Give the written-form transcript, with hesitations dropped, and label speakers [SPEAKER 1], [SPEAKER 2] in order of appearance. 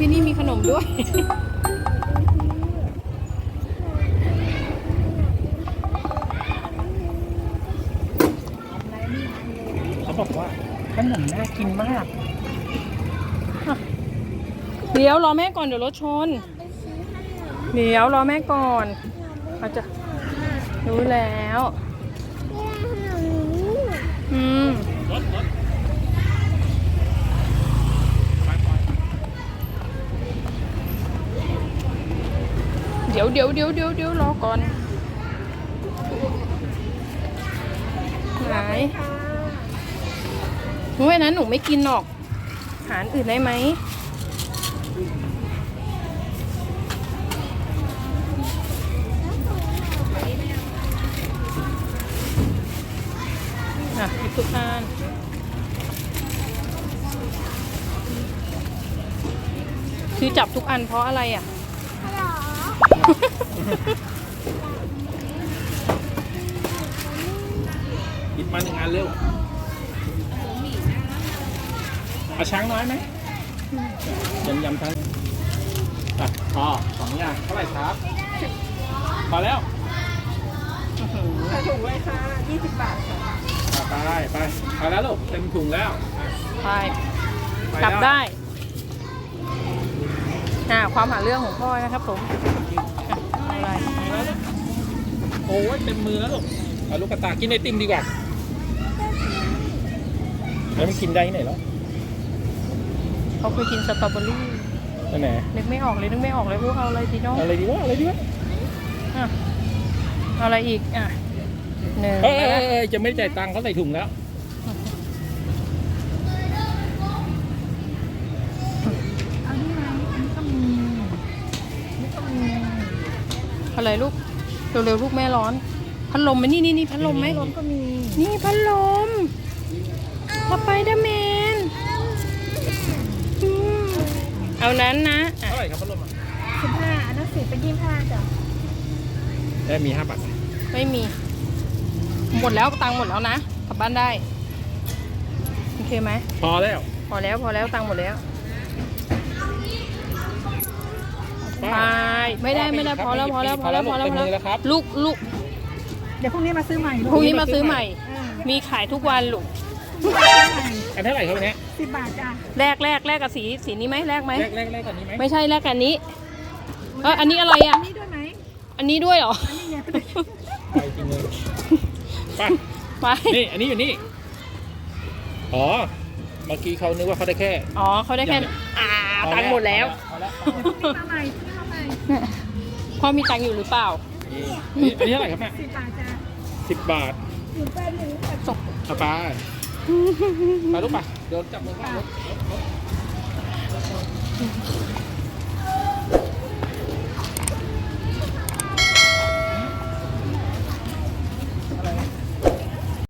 [SPEAKER 1] ที่นี่มีขนมด้วย
[SPEAKER 2] เขาบอกว่าขนมน่ากินมาก
[SPEAKER 1] เดี๋ยวรอแม่ก่อนเดี๋ยวรถชน เดี๋ยวรอแม่ก่อนอาจจะรู้แล้วเดี๋ยวรอก่อนไหนหนูว่านั้นหนูไม่กินหรอกหาอื่นได้ไหมอ่ะหยิบทุกอันคือจับทุกอันเพราะอะไรอ่ะ
[SPEAKER 2] หยิบมา1 อันเร็วเอาช้างน้อยไหมยำทั้งพอ2 อย่างเท่าไหร่ครับพอแล้ว
[SPEAKER 3] ใส่ถุงเลยค่ะ20 บาทค่ะ
[SPEAKER 2] ไปพอแล้วลูกเต็มถุงแล้ว
[SPEAKER 1] ไปกลับได้ความหาเรื่องของพ่อนะครับผมอะไร
[SPEAKER 2] โอ้ยเต็มมือแล้วลูกเอาลูกกระตายกินไอติมดีกว่าแล้วมันกินได้ที่ไหนแล้ว
[SPEAKER 1] เขาเคยกินสตรอเบอรี่
[SPEAKER 2] นั่นแหละ
[SPEAKER 1] นึกไม่ออกเลยพวกเอาอะไรดีเนาะ
[SPEAKER 2] อะไรดีวะ
[SPEAKER 1] อ่ะเอาอะไรอีกหนึ่ง
[SPEAKER 2] จะไม่จ่ายตังค์เขาใส่ถุงแล้ว
[SPEAKER 3] เอานี่ไหมอันนี้ก็มีนี่ก็มี
[SPEAKER 1] อะไรลูกเร็วๆลูกแม่ร้อนพัดลมไหมนี่พัดลมไหม
[SPEAKER 3] รวมก็มี
[SPEAKER 1] นี่พัดลมสไปเดอร์แมนเอานั้นนะ
[SPEAKER 2] เท่าไหร่ครับพัดลม
[SPEAKER 3] 15อันนั้น10เป็น25จ้ะ
[SPEAKER 2] ได้มี5 บาท
[SPEAKER 1] ไม่มีหมดแล้วตังค์หมดแล้วนะกลับบ้านได้โอเคไหม
[SPEAKER 2] พอแล้ว
[SPEAKER 1] พอแล้วตังค์หมดแล้วไปไม่ได้พอแล้วลูก
[SPEAKER 3] เดี๋ยวพรุ่งนี้มาซื้อใหม่
[SPEAKER 1] พรุ่งนี้มาซื้อใหม่ มีขายทุกวันลูก
[SPEAKER 2] อันเท่าไหร่ครับวันนี้
[SPEAKER 3] 10 บาทจ้ะ
[SPEAKER 1] แลกกับสีนี้ไหมแลกไหม
[SPEAKER 2] แรกกันนี้ไหม
[SPEAKER 1] ไม่ใช่แลกกันนี้อันนี้อะไรอ่ะ
[SPEAKER 3] อันนี้ด้วยไหม
[SPEAKER 1] อันนี้ด้วยเหรอ
[SPEAKER 3] อันนี้เนี่ย
[SPEAKER 2] ไปจริงเลยไปนี่อันนี้อยู่นี่อ๋อเมื่อกี้เขานึกว่าเขาได้แค่
[SPEAKER 1] อ๋อเขาได้แค่ตังค์หมดแล้ว
[SPEAKER 2] พอแล้ว
[SPEAKER 3] มาใหม่ซื้อมาใหม่
[SPEAKER 1] พ่อมีตังค์อยู่หรือเปล่า
[SPEAKER 2] อันนี้เท่าไหร่ครับแม่
[SPEAKER 3] 10 บาทจ้ะ
[SPEAKER 2] 10 บาท
[SPEAKER 3] อยู่แป้นหนึ่ง
[SPEAKER 1] ส่ง
[SPEAKER 2] เอาไปลูกไปเดี๋ยวจับมือเข้ารถ